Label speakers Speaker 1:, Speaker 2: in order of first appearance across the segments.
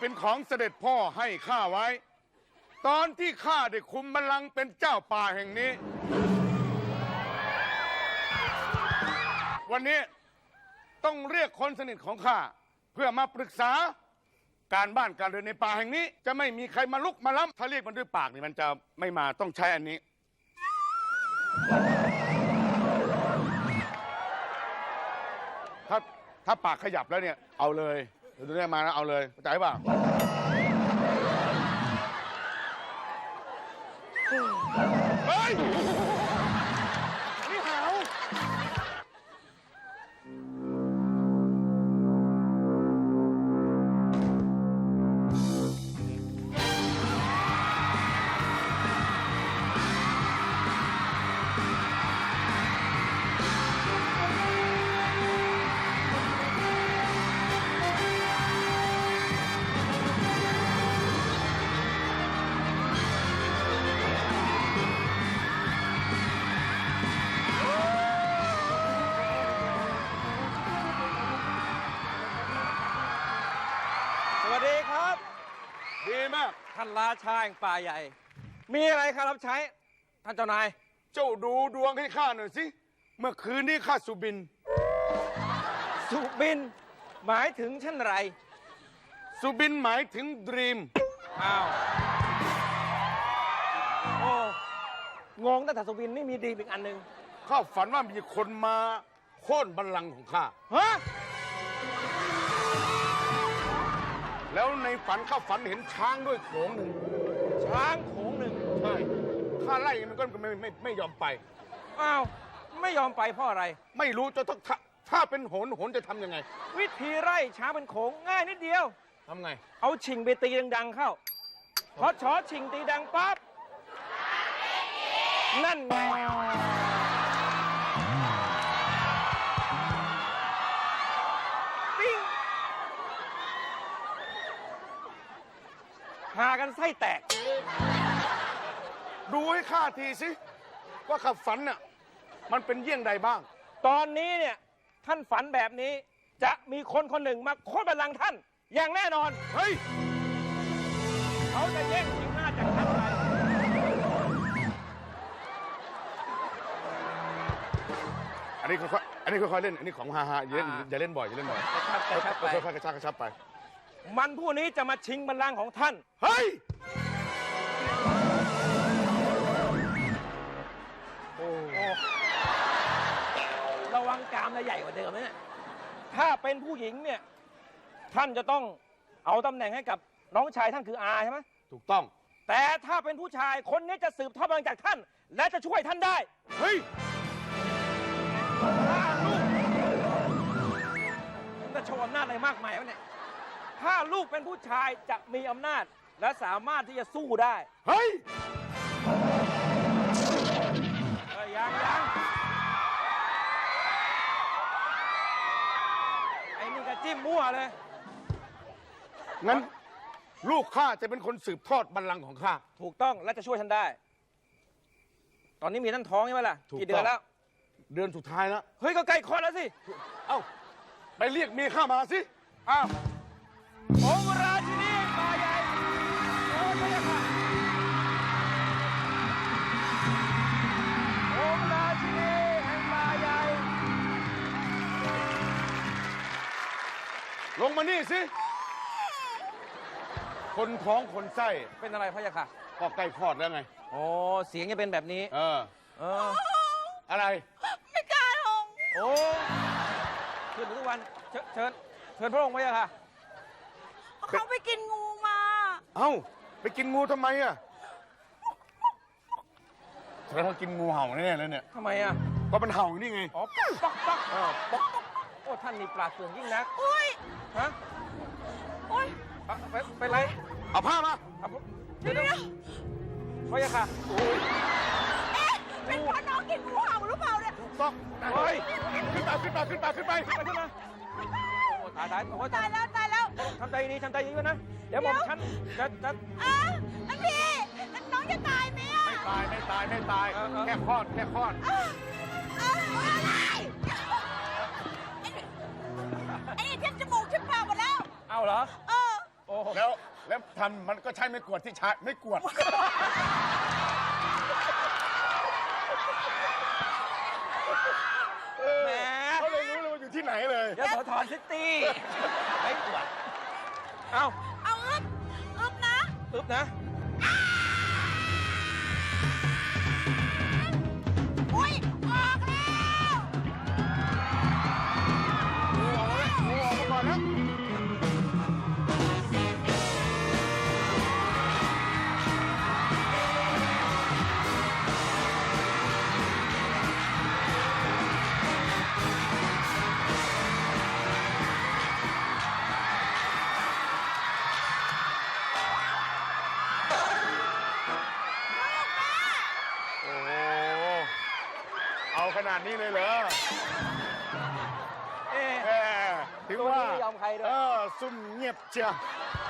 Speaker 1: เป็นของเสด็จพ่อให้ข้าไว้ตอนที่ข้าได้คุมบัลลังก์เป็นเจ้าป่าแห่งนี้วันนี้ต้องเรียกคนสนิทของข้าเพื่อมาปรึกษาการบ้านการเรือนในป่าแห่งนี้จะไม่มีใครมาลุกมาล้ำถ้าเรียกมันด้วยปากนี่มันจะไม่มาต้องใช้อันนี้ถ้าปากขยับแล้วเนี่ยเอาเลยเดี๋ยวนี้มานะเอาเลยเข้าใจป่ะเฮ้ยนี่หาว
Speaker 2: สวัสดีครับ
Speaker 1: ดีมาก
Speaker 2: ท่านราชาแห่งป่าใหญ่มีอะไรครับรับใช้ท่านเจ้านาย
Speaker 1: เจ้าดูดวงให้ข้าหน่อยสิเมื่อคืนนี้ข้าสุบิน
Speaker 2: หมายถึงเช่นไร
Speaker 1: สุบินหมายถึงดรีม
Speaker 2: อ้าวโอ้งงตั้งแต่สุบินนี่มีดีอีกอันหนึ่ง
Speaker 1: ข้าฝันว่ามีคนมาโค่นบัลลังก์ของข้า
Speaker 2: ฮะ
Speaker 1: แล้วในฝันข้าฝันเห็นช้างด้วยโขงหนึ่ง
Speaker 2: ช้างโขงหนึ่ง
Speaker 1: ใช่ข้าไล่มันก็ไม่ยอมไป
Speaker 2: อ้าวไม่ยอมไปเพราะอะไร
Speaker 1: ไม่รู้จะต้องถ้าเป็นโหนจะทำยังไง
Speaker 2: วิธีไล่ช้างเป็นโขงง่ายนิดเดียว
Speaker 1: ทำไง
Speaker 2: เอาชิงไปตีดังๆเข้าพอชอชิงตีดังปั๊บนั่นไงปิ้งหากันไส้แตก
Speaker 1: ดูให้ข้าทีสิว่าข้าฝันน่ะมันเป็นเยี่ยงใดบ้าง
Speaker 2: ตอนนี้เนี่ยท่านฝันแบบนี้จะมีคนคนหนึ่งมาโค่นบัลลังก์ท่านอย่างแน่นอน
Speaker 1: เฮ้ย
Speaker 2: เขาจะแย่งชิงหน้าจากท่านไป
Speaker 1: อันนี้ค่อยๆเล่นอันนี้ของฮาอย่าเล่นบ่อยค่อยๆกระชับไป
Speaker 2: มันผู้นี้จะมาชิงบัลลังก์ของท่าน
Speaker 1: เฮ้ย
Speaker 2: โอ้ระวังกามจะใหญ่กว่าเดิมเนี่ยถ้าเป็นผู้หญิงเนี่ยท่านจะต้องเอาตำแหน่งให้กับน้องชายท่านคืออาใช่ไหม
Speaker 1: ถูกต้อง
Speaker 2: แต่ถ้าเป็นผู้ชายคนนี้จะสืบทอดบัลลังก์จากท่านและจะช่วยท่านได้
Speaker 1: เฮ้ย
Speaker 2: จะโชว์อำนาจอะไรมากมายวะเนี่ยถ้าลูกเป็นผู้ชายจะมีอำนาจและสามารถที่จะสู้ได้
Speaker 1: เฮ้ย
Speaker 2: ยังไอ้นี่ก็จิ้มมั่วเลย
Speaker 1: งั้นลูกข้าจะเป็นคนสืบทอดบัลลังก์ของข้า
Speaker 2: ถูกต้องและจะช่วยท่านได้ตอนนี้มีท่านท้องใช่ไหมล่ะกี่เดือนแล้ว
Speaker 1: เดือนสุดท้ายแล้ว
Speaker 2: เฮ้ยก็ใกล้คลอดแล้วสิ
Speaker 1: เอ้าไปเรียกเมียข้ามาสิ
Speaker 2: อ้าวองค์ราชินีป่าใหญ่โอ้พระยาค่ะองค์ราชินีแห่งป่าใหญ่
Speaker 1: ลงมานี่สิคนท้องคนไส้
Speaker 2: เป็นอะไรพระยาค่ะ
Speaker 1: ก็ใกล้คลอดแล้วไง
Speaker 2: โอ้เสียงจะเป็นแบบนี้
Speaker 1: อะไร
Speaker 3: ไม่กล้าลง
Speaker 2: โอ้ขึ้นทุกวันเชิญพระองค์พระยาค่ะ
Speaker 3: เขาไปกินงูมา
Speaker 1: เอ้าไปกินงูทำไมอ่ะแสดงว่ากินงูเห่าแน่ๆเลยเนี่ย
Speaker 2: ทำไมอ่ะ
Speaker 1: ก็มันเห่านี่ไง
Speaker 2: อ๋อป๊อกโอ้ท่านนี่ปราดเปรื่องยิ่งนัก
Speaker 3: โอ้ย
Speaker 2: ฮะ
Speaker 3: โอ้ย
Speaker 2: ไปไร
Speaker 1: เอาผ้ามา
Speaker 2: เดี๋ยวพระยาค่ะ
Speaker 3: โอ้ยเป็นเพราะน้องกินงูเห่าหรือเปล่าเนี่ย
Speaker 1: ต้องเฮ้ยขึ้นไปตาย
Speaker 2: ตายแล้วทำใจดีด้วยนะเดี๋ยวผมฉันจะ
Speaker 3: นั่นพี่น้องจะตายไหมอ่ะ
Speaker 1: ไม่ตายแค่คลอด
Speaker 3: อะไรไอ้นี่เทียบจมูกชิบปากหมดแล้ว
Speaker 2: เอาเหรอ
Speaker 1: แล้วทำมันก็ใช้ไม่กวดที่ใช้ไม่กวด
Speaker 2: แหม
Speaker 1: เขาเลยรู้เลยว่าอยู่ที่ไหนเลย
Speaker 2: ยโสธรซิตี้ไม่ปวดเอา
Speaker 3: เอาอึบนะ
Speaker 2: อึ๊บนะ
Speaker 3: อุ้ยออกแล้ว
Speaker 1: งูออกมาก่อนนะโอ้โหเอาขนาดนี้เลยเหรอ
Speaker 2: เอ๊ะ
Speaker 1: แหมถึงว่า
Speaker 2: ตัวนี้ไม่ยอมใครด้วย
Speaker 1: ซุ่มเงียบเชียว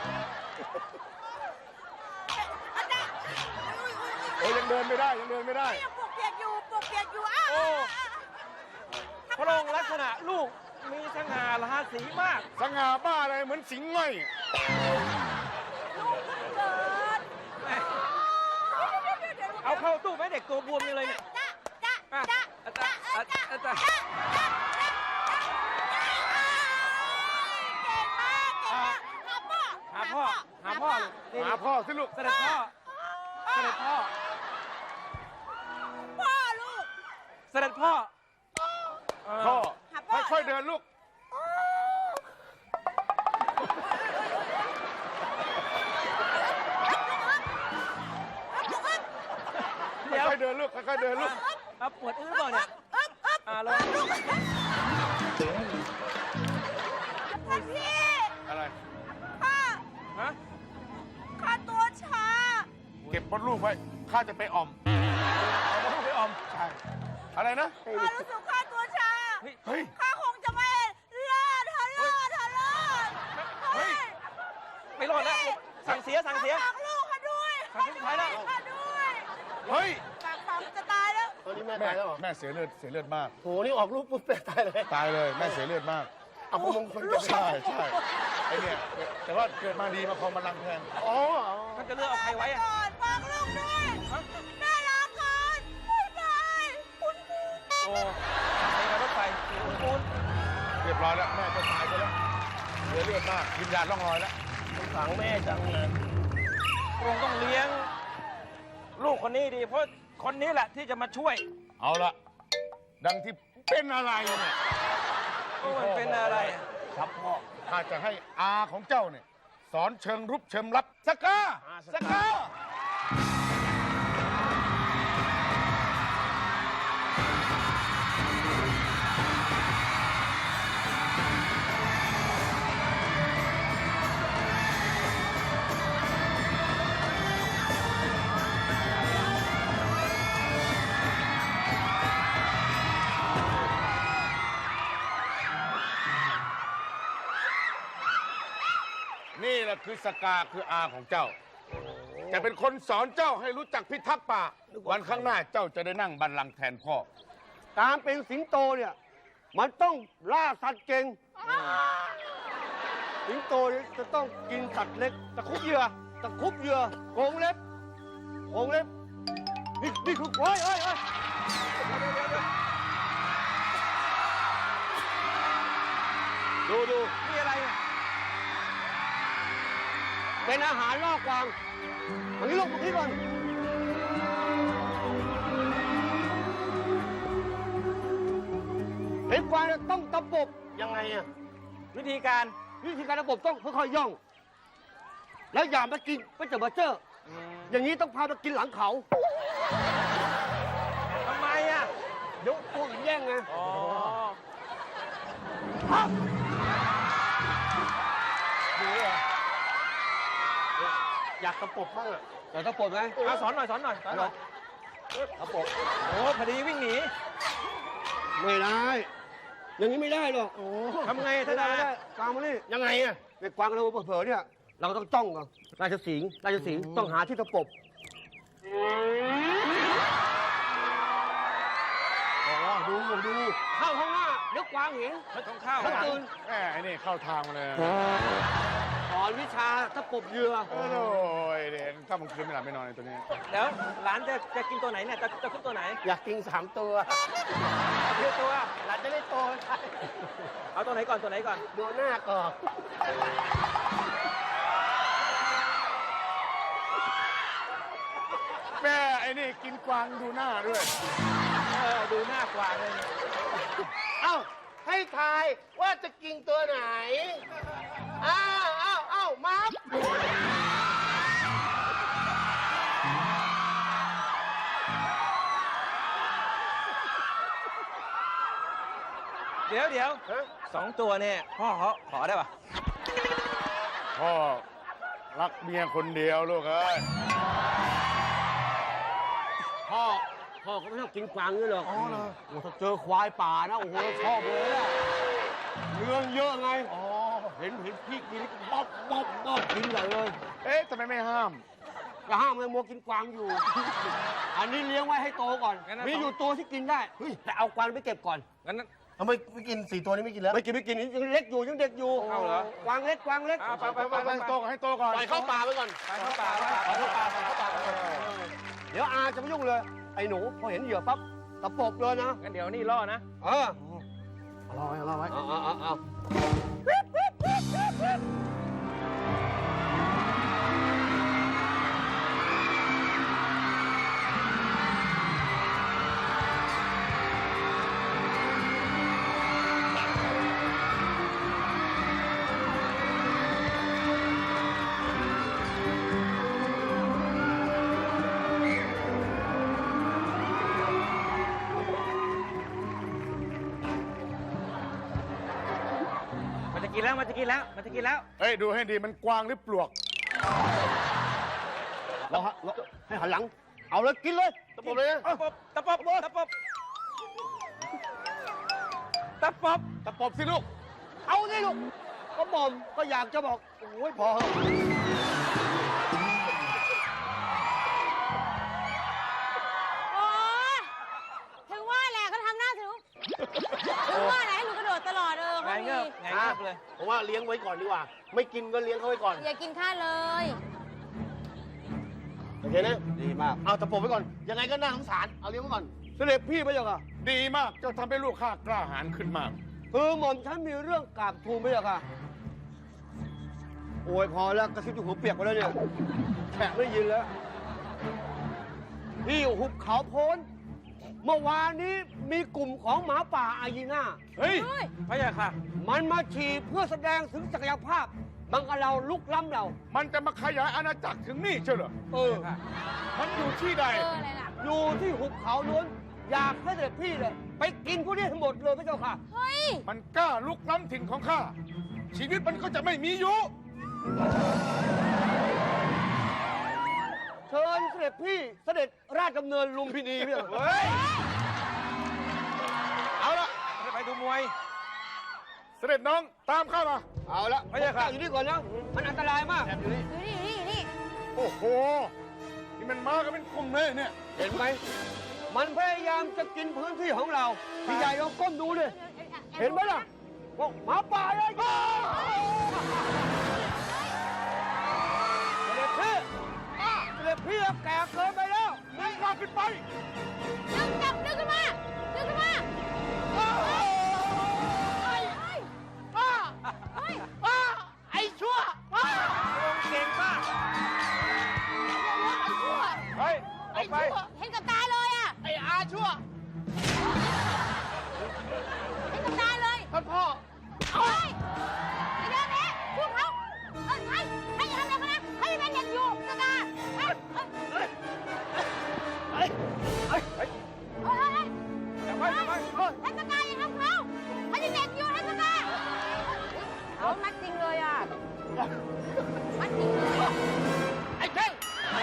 Speaker 3: อาจารย์อุ้ย
Speaker 1: โอ้ยยังเดินไม่ได้ยังเดินไม่ได้
Speaker 3: ยังปวกเปียกอยู่ปวกเปียกอยู่อ้าว
Speaker 2: โอ้พระองค์ลักษณะลูกมีสง่าราศีมาก
Speaker 1: สง่าบ้าอะไรเหมือนสิงห์ง่อย
Speaker 3: ลูกเพิ่งเกิด
Speaker 2: แหม
Speaker 3: เดี๋ยว
Speaker 2: เอาเข้าตู้ไหมเด็กตัวบวมยังเลยเนี่ย
Speaker 3: จ๊ะ
Speaker 2: อ่ะ
Speaker 3: จ๊ะ
Speaker 2: อา
Speaker 3: จ๊ะ
Speaker 2: จารย์
Speaker 3: จ๊ะ
Speaker 2: อาจารย์
Speaker 3: เก่งมากเก่งมากหาพ่อ
Speaker 2: หาพ่อนี่
Speaker 1: หาพ่อสิลูก
Speaker 2: เสด็จพ่อเสด็จพ่อ
Speaker 3: พ่อลูก
Speaker 2: เสด็จพ่อ
Speaker 1: พ่อ
Speaker 3: หาพ่อ
Speaker 1: ค่อยๆเดินลูก
Speaker 2: เดี๋ยว
Speaker 1: ค่อยๆเดินลูกค่อยๆเดินลูก
Speaker 2: เอาปวดอื้อเปล่าเนี่ยแล้ว
Speaker 3: ท่านพี่
Speaker 1: อะไร
Speaker 3: ข้า
Speaker 2: ฮะ
Speaker 3: ข้าตัวชา
Speaker 1: เก็บมดลูกไว้ข้าจะไปอ่อม
Speaker 2: เอามาลูกไปออม
Speaker 1: ใช่ อะไรนะ
Speaker 3: ข้ารู้สึกข้าตัวชา
Speaker 1: เฮ้ย
Speaker 3: ข้าคงจะไม่รอดฮะรอดฮะรอด
Speaker 1: เฮ้ย
Speaker 2: ไม่รอดแล้วสั่งเสียสั่งเสีย
Speaker 3: ฝากลูกข้าด้วย
Speaker 2: ฝากลูกสุดท้ายแล้ว
Speaker 3: ข้าด้วย
Speaker 1: เฮ้ย
Speaker 3: ฝากจะตายแล้ว
Speaker 4: ตอนนี้แม่
Speaker 1: แม่
Speaker 4: ตายแล้วเหรอ
Speaker 1: แม่เสียเลือดมาก
Speaker 4: โห นี่ออกลูกปุ๊บแม่ตายเลย
Speaker 1: ตายเลย แม่เสียเลือดมาก
Speaker 4: เอาพวกมงคลจะ
Speaker 1: ใช่ใช่ไอเนี่ย แต่ว่าเกิดมาดีมาครองบัลลังก์แทน
Speaker 4: อ๋อ
Speaker 2: มันจะเลือกเอาใครไว้อะ
Speaker 3: ก่อนฝากลูกด้วยแม่ลาก่อนบ๊ายบายคุณครู
Speaker 2: โอ้ใช้รถไฟคุณ
Speaker 1: เรียบร้อยแล้ว แม่จะตายไปแล้วเสียเลือดมากวิญญาณล่องลอยแล้ว
Speaker 4: สงสารแม่จังเลย
Speaker 2: พระองค์ต้องเลี้ยง ลูกคนนี้ดี เพราะคนนี้แหละที่จะมาช่วย
Speaker 1: เอาละดังที่เป็นอะไรเนี่ย
Speaker 2: มันเป็นอะไรอะ
Speaker 1: ครับพ่อข้าจะให้อาของเจ้าเนี่ย สอนเชิงรุกเชิงรับสก้าสก้า นี่แหละคือสกาคืออาของเจ้า จะเป็นคนสอนเจ้าให้รู้จักพิทักษ์ป่า วันข้างหน้าเจ้าจะได้นั่งบัลลังก์แทนพ่อ
Speaker 4: การเป็นสิงโตเนี่ย มันต้องล่าสัตว์เก่ง สิงโตเนี่ยจะต้องกินสัตว์เล็ก ตะคุบเหยื่อ ตะคุบเหยื่อโกงเล็บโกงเล็บ นี่คือโอ้ยดู
Speaker 2: มีอะไรอะ
Speaker 4: เป็นอาหารล่อกวางมันนี่ลูกมาที่ก่อน เห็นกวางเนี่ยต้องตะปบยังไงอะ
Speaker 2: วิธีการ
Speaker 4: วิธีการตะปบต้องค่อยๆย่อง แล้วอย่ามากินไม่จะมาเจอ อย่างนี้ต้องพามากินหลังเขา
Speaker 2: ทำไมอ่ะ
Speaker 4: เดี๋ยวตัวอื่นแย่งไง
Speaker 2: อ๋อ
Speaker 4: ดูเหรออยากตะปบบ้างอะอยากตะปบไหม
Speaker 2: เอาสอนหน่อยสอนหน่อย
Speaker 4: ตะปบ
Speaker 2: โอ้พอดีวิ่งหนี
Speaker 4: ไม่ได้ อย่างนี้ไม่ได้หรอก
Speaker 2: ทำไง
Speaker 4: ไม่
Speaker 2: ท่าน
Speaker 4: ได้
Speaker 2: อา
Speaker 4: ไม่ได้กวางมานี่
Speaker 2: ยังไงอ่ะ
Speaker 4: ในกวางเราเผลอๆเนี่ย เราต้องจ้องก่อนราชสีห์ต้องหาที่ตะปบดูเข้าข้างหน้าเดี๋ยวกวางเห็น
Speaker 2: ไม่ต้องเข้า
Speaker 4: เขาตื่น
Speaker 1: แม่ไอ้นี่เข้าทางมาเลย
Speaker 4: สอนวิชาตะปบเหยื่อ
Speaker 1: โอ้ยเด็กถ้ามันคืนไม่หลับไม่นอนในตัวนี้
Speaker 2: แล้วหลานจะกินตัวไหนเนี่ยจะขึ้นตัวไหน
Speaker 4: อยากกิน3 ตัว
Speaker 2: เลือกตัว
Speaker 4: หลานจะได้โตใช่
Speaker 2: เอาตัวไหนก่อนตัวไหนก่อน
Speaker 4: ดูหน้าก่อน
Speaker 1: แม่ไอ้นี่กินกวางดูหน้าด้วย
Speaker 2: ดูหน้ากวางเลย
Speaker 4: เอ้าให้ทายว่าจะกินตัวไหนอ้าวมัฟ
Speaker 2: เดี๋ยว2 ตัวเนี่ยพ่อขอได้ปะ
Speaker 1: พ่อรักเมียคนเดียวลูกเอ้ย
Speaker 4: พ่อเขาไม่ชอบกินกวางด้วยหรอกโอ้ถ้าเจอควายป่านะโอ้โหชอบเลยอะเรื่องเยอะไงเห็นพี่กินบ๊อบกินใหญ่เลย
Speaker 1: เอ๊ะทำไมไม่ห้าม
Speaker 4: จะห้ามเลยมัวกินกวางอยู่ อันนี้เลี้ยงไว้ให้โตก่อน มีอยู่ตัวที่กินได้แต่เอากวางไปเก็บก่อน
Speaker 2: งั้น
Speaker 5: ทำไมไม่กิน4 ตัวนี้ไม่กินแล้ว
Speaker 4: ไม่กินยังเล็กอยู่ยังเด็กอยู่
Speaker 2: เอาเหรอ
Speaker 4: กวางเล็ก
Speaker 2: ไป
Speaker 1: ให้โตก่อนให้โตก่อน
Speaker 4: ปล่อยเข้าป่าไปก่อน
Speaker 2: ไปเข้าป่า
Speaker 4: เดี๋ยวอาจะไม่ยุ่งเลย ไอ้หนูพอเห็นเหยื่อปั๊บตะปบเลยนะ
Speaker 2: งั้นเดี๋ยวนี่ล่อนะ
Speaker 4: เออ
Speaker 5: รอไว้
Speaker 4: เอา
Speaker 2: มันจะกินแล้ว
Speaker 1: เฮ้ยดูให้ดีมันกวางหรือปลวก
Speaker 4: เราให้หันหลัง เอาเลยกินเลยตะปบเลยนะ
Speaker 2: ตะปบ
Speaker 1: ตะปบสิลูก
Speaker 4: เอาสิลูกก็บ่มก็อยากจะบอกโอ้ยพอเหอะ
Speaker 3: โอ๊ยถึงว่าแหละก็ทำหน้าถึงว่าไหนให้หนูกระโดดตลอดเขา
Speaker 2: ไง
Speaker 3: มี
Speaker 2: เงือบเลย
Speaker 5: ผมว่าเลี้ยงไว้ก่อนดีกว่า ไม่กินก็เลี้ยงเขาไว้ก่อน
Speaker 3: อย่ากินข้าเลย
Speaker 5: โอเคนะ
Speaker 4: ดีมาก
Speaker 5: เอาตะปบไว้ก่อน ยังไงก็น่าสงสาร เอาเลี้ยงไว้ก่อน
Speaker 4: เสด็จพี่พระเจ้าค่ะ
Speaker 1: ดีมากเจ้าทำให้ลูกข้ากล้าหาญขึ้นมาก
Speaker 4: คือหม่อมฉันมีเรื่องกราบทูลพระเจ้าค่ะ โอ้ยพอแล้วกระซิบอยู่หัวเปียกไปแล้วเนี่ยแขกไม่ยินแล้วที่หุบเขาโพ้น เมื่อวานนี้มีกลุ่มของหมาป่าอายีน่า
Speaker 1: เฮ้ย
Speaker 3: เฮ้ย
Speaker 2: พระยาค่ะ
Speaker 4: มันมาฉี่เพื่อแสดงถึงศักยภาพ บังอาจเราลุกล้ำเรา
Speaker 1: มันจะมาขยายอาณาจักรถึงนี่เชียวเหรอ
Speaker 4: เออ
Speaker 1: มันอยู่ที่ใด
Speaker 3: อะไรล่ะ
Speaker 4: อยู่ที่หุบเขาล้วน อยากให้เสด็จพี่เลยไปกินพวกนี้ทั้งหมดเลยพระเจ้าค่ะ
Speaker 3: เฮ้ย
Speaker 1: มันกล้าลุกล้ำถิ่นของข้า ชีวิตมันก็จะไม่มีอยู่
Speaker 4: เชิญเสด็จพี่เสด็จราชดำเนินลุมพินีพี่
Speaker 1: เฮ้ย เอาละ
Speaker 2: ไปดูมวย
Speaker 1: เสด็จน้องตามข้ามา
Speaker 4: เอาละ
Speaker 2: พระเจ้าค่ะ
Speaker 4: อยู่นี่ก่อนนะ มันอันตรายมาก
Speaker 3: อยู่นี่
Speaker 1: โอ้โห นี่มันมากันเป็นกลุ่มเลยเนี่ย
Speaker 4: เห็นไหม มันพยายามจะกินพื้นที่ของเรา พี่ใหญ่ลองก้มดูดิ เห็นไหมล่ะบอกหมาป่าเลยเสด็จพี่แก่เกินไปแล้ว
Speaker 1: มึงมาขึ้นไป
Speaker 3: ดึงขึ้นมา
Speaker 5: ไอ้ชั่ว
Speaker 2: เก่งมาก เฮ้ยออกไป
Speaker 3: เห็นกับตาเลยอ่ะ
Speaker 5: ไอ้อาชั่ว
Speaker 3: เห็นกับตาเลย
Speaker 5: ท่านพ่อ
Speaker 3: เฮ้ยไอ้เด็กนี้พวกเขาให้อย่าทำอะไรเขานะให้เป็นเด็กอยู่กับตาเฮ้ย
Speaker 2: จับไว้
Speaker 3: ให้สกายอย่าทำเขาให้เด็กอยู่ให้สกายเขามัดจริงเลยอ่ะมัดจริงเลย
Speaker 5: ไอ้เท่ง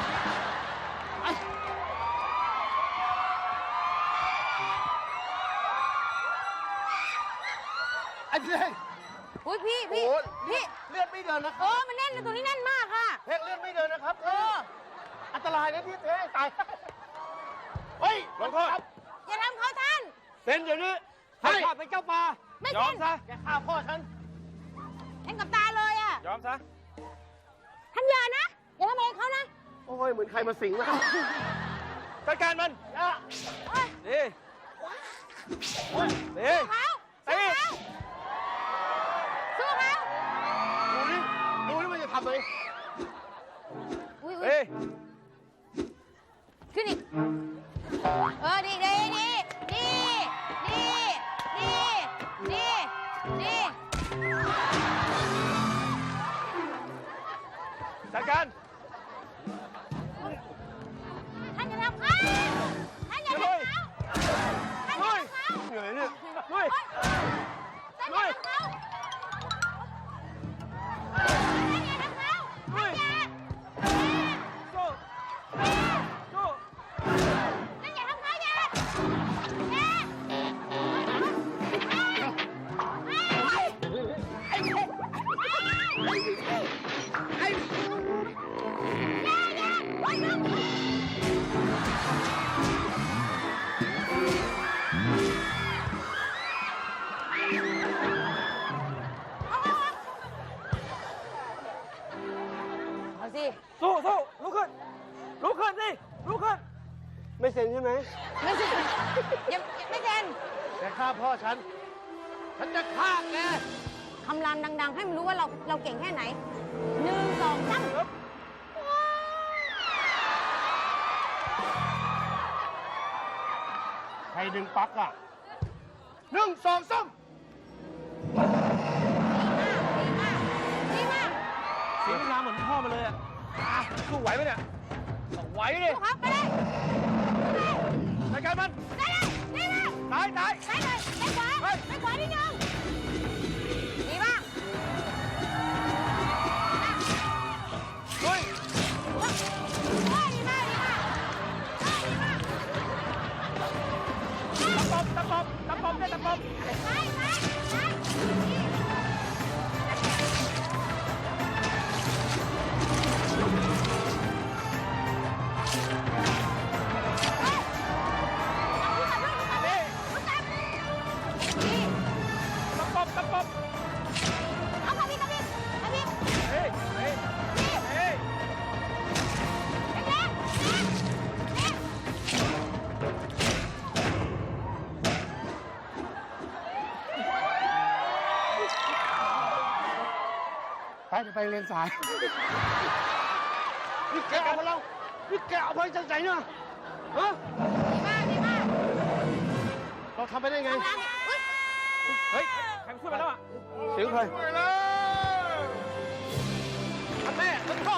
Speaker 5: ไอ้เท่ง
Speaker 3: อุ้ยพี่
Speaker 5: โอ้เลือดไม่เดินนะค
Speaker 3: โอ้
Speaker 5: รับ
Speaker 3: มันแน่นเลยตรงนี้แน่นมากค่ะ
Speaker 5: เท่งเลือดไม่เดินนะครับอันตรายนะพี่เท่งตาย เฮ้ย
Speaker 2: ลงโทษ
Speaker 3: อย่าทำเขาท่าน
Speaker 4: เซ็นเดี๋ยวนี้ให้ข้าเป็นเจ้าป่า
Speaker 3: ไม่
Speaker 2: ยอ
Speaker 3: เป็
Speaker 2: ม
Speaker 3: น
Speaker 2: ซะ
Speaker 5: แกฆ่าพ่อฉัน
Speaker 3: เห็นกับตาเลยอ่ะ
Speaker 2: ยอมซะ
Speaker 3: อย่าทำอะไรเขานะ
Speaker 5: โอ้ยเหมือนใครมาสิงแล้ว
Speaker 2: จัดการมัน
Speaker 3: เอ้ย
Speaker 2: ดีดี
Speaker 3: เขาสู้เขาสู้เขา
Speaker 5: ดูนี่มันจะทำอะไร
Speaker 3: อุ้ย
Speaker 2: เฮ้ย
Speaker 3: ขึ้นอีกดีดีดีดีดีดีดีดี
Speaker 2: จัดการ
Speaker 3: ท่านอย่าทำเขาท่านอย่าทำเขาท่านอย่าทำเขา
Speaker 5: เหนื่อยเนี่ย
Speaker 2: ลุย
Speaker 3: ท่านอย่าทำเขาท่านอย่าทำเขาท่านอย่า
Speaker 2: สู้สู้
Speaker 3: ท่านอย่าทำเขาอย่าเอาสิ
Speaker 2: สู้สู้ลุกขึ้นลุกขึ้นสิลุกขึ้น
Speaker 5: ไม่เซ็นใช่ไหม
Speaker 3: ไม่ใช่ยังไม่เซ็น
Speaker 5: แต่ฆ่าพ่อฉันจะฆ่าแก
Speaker 3: คำรามดัง ๆ ให้มันรู้ว่าเราเก่งแค่ไหน1 2 3
Speaker 5: ใครดึงปลั๊กอ่ะ1 2 3
Speaker 3: ดีมาก
Speaker 2: เสียงรามเหมือนพ่อมาเลยอ่ะสู้ไหวไหมเนี่ยไหวดิ
Speaker 3: ลูกครับไปเลย
Speaker 2: จัดการมัน
Speaker 3: ได้เลยดีมาก
Speaker 2: ตายตาย
Speaker 3: ไปเลยไปขวาไปขวานิดนึงดีมาก
Speaker 2: ลุย
Speaker 3: ดีมากดีมากดีมาก
Speaker 2: ตะปบตะปบเนี่ยตะปบ
Speaker 3: ไป
Speaker 2: ตะปบตะปบ
Speaker 3: เอาขับพี่ขับพี่ขับพี่
Speaker 2: เฮ้ยเฮ้ยเฮ้ย
Speaker 3: แรงๆแรง
Speaker 5: ไปเรียนสาย นี่แกเอามาเรานี่แกเอาไปจากไหนเนี่ยฮะ
Speaker 3: ดีมาก
Speaker 5: เราทำไปได้ไง
Speaker 2: เฮ้ยใครมาช่วยมาแล้วอ่ะ
Speaker 5: เสียงใคร
Speaker 1: ไปแล้ว
Speaker 2: ท่านแม่ท่านพ่อ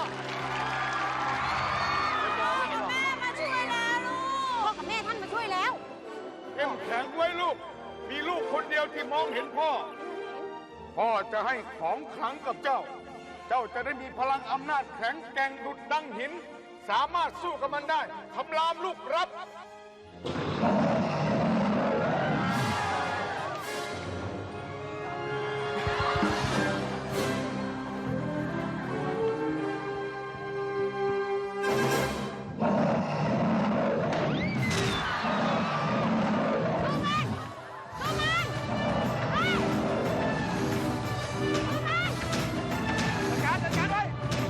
Speaker 3: แม่มาช่วยแล้วลูกพ่อกับแม่ท่านมาช่วยแล้ว
Speaker 1: เข้มแข็งไว้ลูก มีลูกคนเดียวที่มองเห็นพ่อ พ่อจะให้ของขลังกับเจ้า เจ้าจะได้มีพลังอำนาจแข็งแกร่งดุจดังหิน สามารถสู้กับมันได้คำรามลูกรับ
Speaker 2: จัดการไว้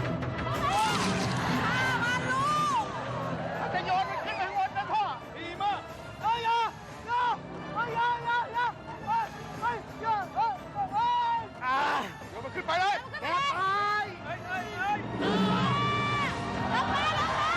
Speaker 5: จะโยนมันขึ้นไปข้างบนนะพ่อ
Speaker 1: ดีมาก
Speaker 5: เฮ้ยอย่าอย่าเฮ้ยอย่าอย่าอย่าเฮ้ยเฮ้ยอย่าเฮ้ยเฮ้ย
Speaker 1: เดี๋ยวมันขึ้นไปเลย
Speaker 5: แกตาย
Speaker 2: เฮ้ยเฮ้ยเฮ้ย
Speaker 3: ลงมาลงมา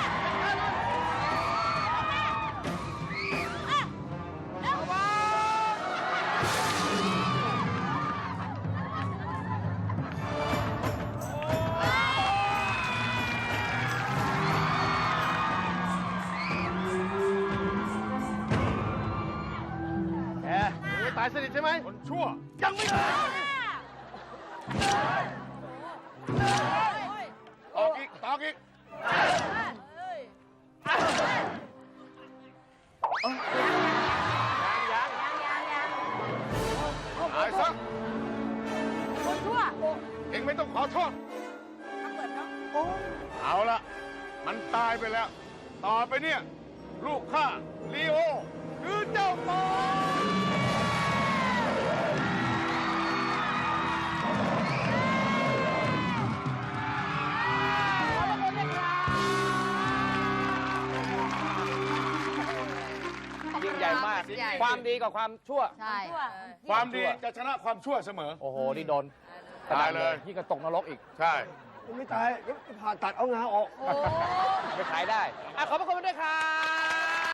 Speaker 5: แกยังไม่ตายสนิทใช่ไหม
Speaker 1: คนชั่ว
Speaker 5: ยังไม่ตาย
Speaker 1: ตอกอีกตอกอีก
Speaker 2: ยัง
Speaker 1: ตายซะ
Speaker 3: คนชั่ว
Speaker 1: เองไม่ต้องขอโทษ
Speaker 3: ทำเหมือนเนาะ
Speaker 1: เอาละมันตายไปแล้ว ต่อไปเนี่ย ลูกข้าลีโอ คือเจ้าต่อ
Speaker 3: เราจะโดนเรียก
Speaker 2: ญ่มาก
Speaker 3: ใหญ่
Speaker 2: ความดีกับความชั่ว
Speaker 3: ใช่
Speaker 1: ความดีจะชนะความชั่วเสมอ
Speaker 2: โอ้โห นี่โดน
Speaker 1: ตายเลย
Speaker 2: พี่ก็ตกนรกอีก
Speaker 1: ใช่
Speaker 4: ไม่ตายผ่าตัดเอางาออก
Speaker 3: โอ้
Speaker 2: ไปขายได้ ขอบพระคุณด้วยครับ